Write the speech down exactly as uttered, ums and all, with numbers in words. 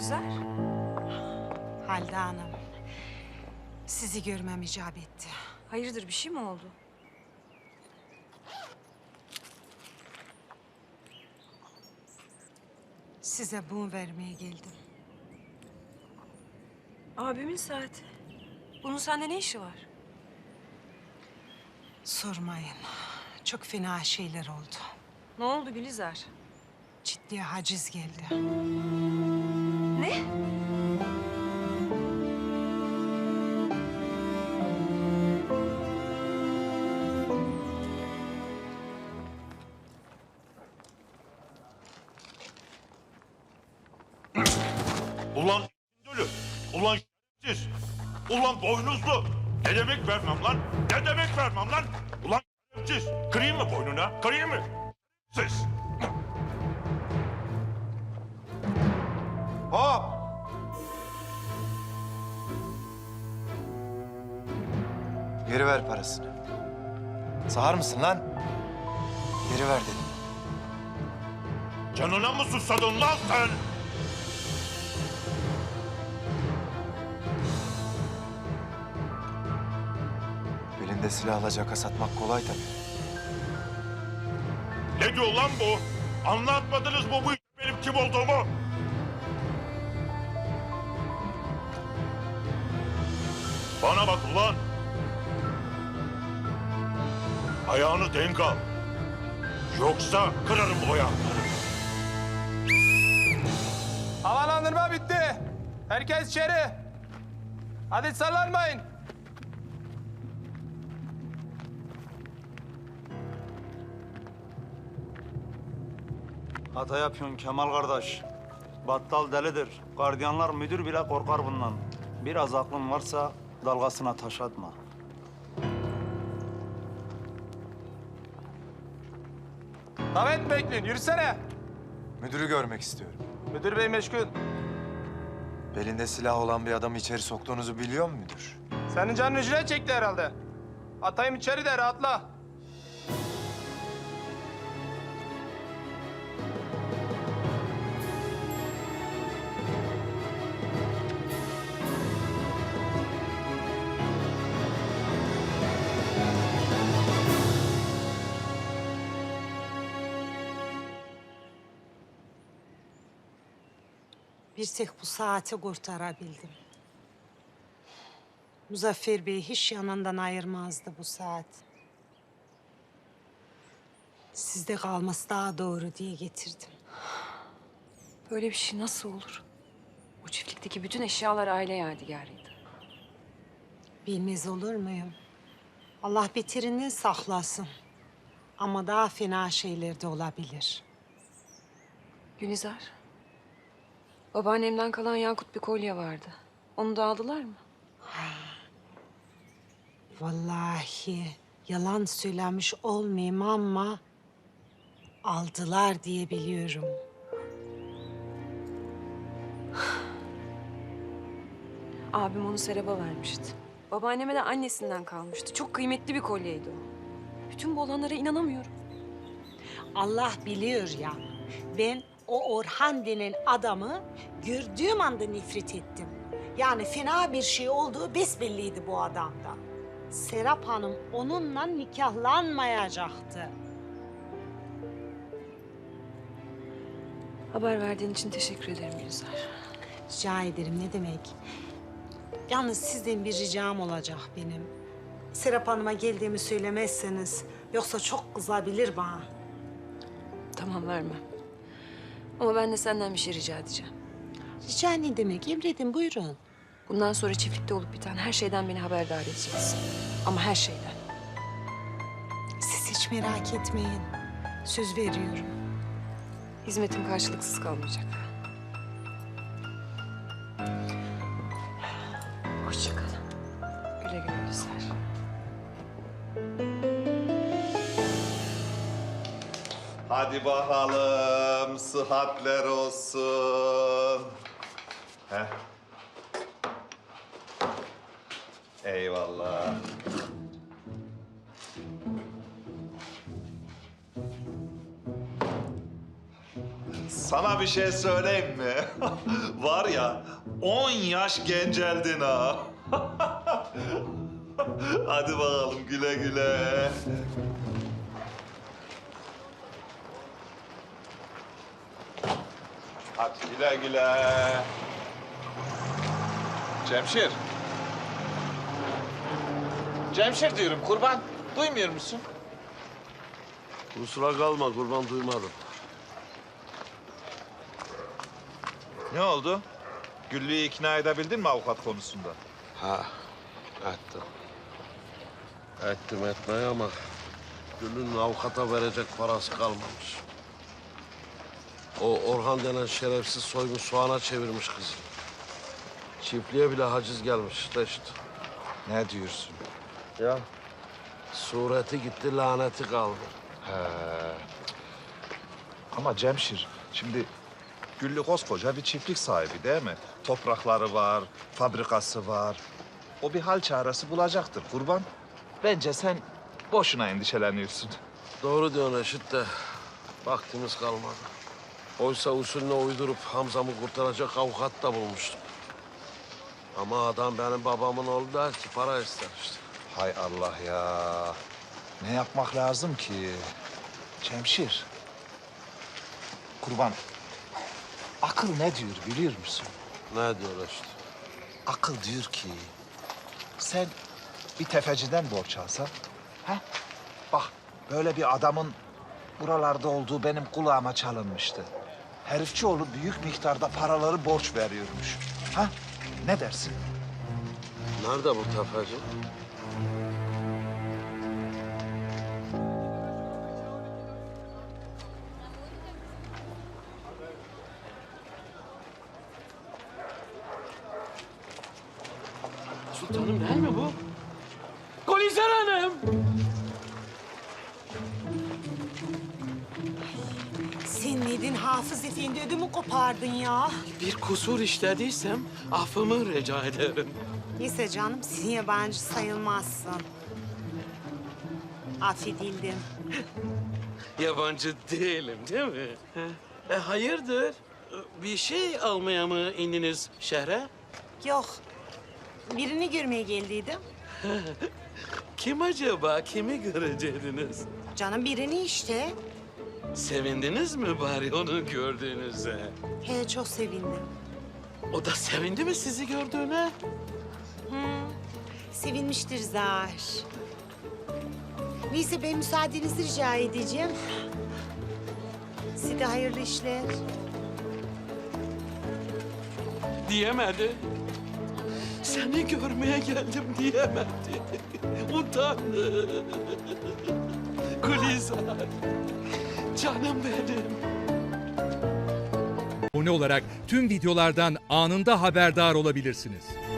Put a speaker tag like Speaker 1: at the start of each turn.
Speaker 1: Gülizar?
Speaker 2: Halide Hanım, sizi görmem icap etti.
Speaker 1: Hayırdır, bir şey mi oldu?
Speaker 2: Size bunu vermeye geldim.
Speaker 1: Abimin saati. Bunun sende ne işi var?
Speaker 2: Sormayın. Çok fena şeyler oldu.
Speaker 1: Ne oldu Gülizar?
Speaker 2: Ciddi haciz geldi.
Speaker 1: Ne?
Speaker 3: Ulan dölü, ulan siz, ulan boynuzlu. Ne demek vermem lan? Ne demek vermem lan? Ulan siz, kırayım mı boynuna? Kırayım mı? Siz.
Speaker 4: Hop! Geri ver parasını. Sağır mısın lan? Geri ver dedim.
Speaker 3: Canına mı susadın lan sen?
Speaker 4: Belinde silahla caka satmak kolay tabii.
Speaker 3: Ne diyor lan bu? Anlatmadınız mı bu benim kim olduğumu? Bana bak ulan. Ayağını denk al. Yoksa kırarım o ayakları.
Speaker 5: Havalandırma bitti. Herkes içeri. Hadi sallanmayın.
Speaker 6: Hata yapıyorsun Kemal kardeş. Battal delidir. Gardiyanlar müdür bile korkar bundan. Biraz aklın varsa dalgasına taş atma.
Speaker 5: Davet bekleyin. Yürüsene.
Speaker 4: Müdürü görmek istiyorum.
Speaker 5: Müdür bey meşgul.
Speaker 4: Belinde silah olan bir adamı içeri soktuğunuzu biliyor mu müdür?
Speaker 5: Senin canın ücret çekti herhalde. Atayım içeri de rahatla.
Speaker 2: Bir tek bu saati kurtarabildim. Muzaffer Bey hiç yanından ayırmazdı bu saat. Sizde kalması daha doğru diye getirdim.
Speaker 1: Böyle bir şey nasıl olur? O çiftlikteki bütün eşyalar aile yadigarıydı.
Speaker 2: Bilmez olur muyum? Allah beterinden saklasın. Ama daha fena şeyler de olabilir.
Speaker 1: Gülizar. Babaannemden kalan yakut bir kolye vardı. Onu da aldılar mı?
Speaker 2: Vallahi yalan söylemiş olmayayım ama aldılar diye biliyorum.
Speaker 1: Abim onu Serap'a vermişti. Babaanneme de annesinden kalmıştı. Çok kıymetli bir kolyeydi o. Bütün bu olanlara inanamıyorum.
Speaker 2: Allah biliyor ya, ben o Orhan denen adamı gördüğüm anda nefret ettim. Yani fena bir şey olduğu besbelliydi bu adamda. Serap Hanım onunla nikahlanmayacaktı.
Speaker 1: Haber verdiğin için teşekkür ederim Gülizar.
Speaker 2: Rica ederim, ne demek? Yalnız sizden bir ricam olacak benim. Serap Hanım'a geldiğimi söylemezseniz, yoksa çok kızabilir bana.
Speaker 1: Tamam, vermem. Ama ben de senden bir şey rica edeceğim.
Speaker 2: Rica ne demek? Emredin, buyurun.
Speaker 1: Bundan sonra çiftlikte olup biten her şeyden beni haberdar edeceksin. Ama her şeyden.
Speaker 2: Siz hiç merak etmeyin. Söz veriyorum.
Speaker 1: Hizmetim karşılıksız kalmayacak. Hoşça kal. Güle güle Gülizar.
Speaker 7: Hadi bakalım, sıhhatler olsun. Heh. Eyvallah. sana bir şey söyleyeyim mi? Var ya, on yaş genceldin ha. Hadi bakalım güle güle. Hadi güle güle. Cemşir. Cemşir diyorum kurban. Duymuyor musun?
Speaker 8: Kusura kalma kurban, duymadım.
Speaker 7: Ne oldu? Güllü'yü ikna edebildin mi avukat konusunda?
Speaker 8: Ha, ettim. Ettim etmeyi ama Gül'ün avukata verecek parası kalmamış. O Orhan denen şerefsiz soymuş, soğana çevirmiş kızı. Çiftliğe bile haciz gelmiş de işte.
Speaker 7: Ne diyorsun?
Speaker 8: Ya sureti gitti, laneti kaldı.
Speaker 7: He. Ama Cemşir, şimdi Güllü koskoca bir çiftlik sahibi değil mi? Toprakları var, fabrikası var. O bir hal çaresi bulacaktır kurban. Bence sen boşuna endişeleniyorsun.
Speaker 8: Doğru diyorsun Reşit de vaktimiz kalmadı. Oysa usulüne uydurup Hamza'mı kurtaracak avukat da bulmuştum. Ama adam benim babamın oğlu der ki para ister işte.
Speaker 7: Hay Allah ya. Ne yapmak lazım ki? Cemşir. Kurban. Akıl ne diyor biliyor musun?
Speaker 8: Ne diyor Reşit?
Speaker 7: Akıl diyor ki sen bir tefeciden borç alsan, ha? Bak böyle bir adamın buralarda olduğu benim kulağıma çalınmıştı. Herifçioğlu büyük miktarda paraları borç veriyormuş. Ha? Ne dersin?
Speaker 8: Nerede bu tefeci?
Speaker 9: Sultanım değil mi bu? Gülizar Hanım!
Speaker 2: Sen neydin Hafız Efendi, ödümü kopardın ya.
Speaker 9: Bir kusur işlediysem affımı rica ederim.
Speaker 2: Neyse canım, sen yabancı sayılmazsın. Affedildim.
Speaker 9: Yabancı değilim değil mi? E, hayırdır? Bir şey almaya mı indiniz şehre?
Speaker 2: Yok, birini görmeye geldiydim.
Speaker 9: Kim acaba? Kimi görecektiniz?
Speaker 2: Canım birini işte.
Speaker 9: Sevindiniz mi bari onu gördüğünüze?
Speaker 2: He, çok sevindim.
Speaker 9: O da sevindi mi sizi gördüğüne?
Speaker 2: Sevinmiştir zar. Neyse ben müsaadenizi rica edeceğim. Size hayırlı işler.
Speaker 9: Diyemedi. Seni görmeye geldim diyemedi. Utandı. Gülizar. Canım benim.
Speaker 10: Abone olarak tüm videolardan anında haberdar olabilirsiniz.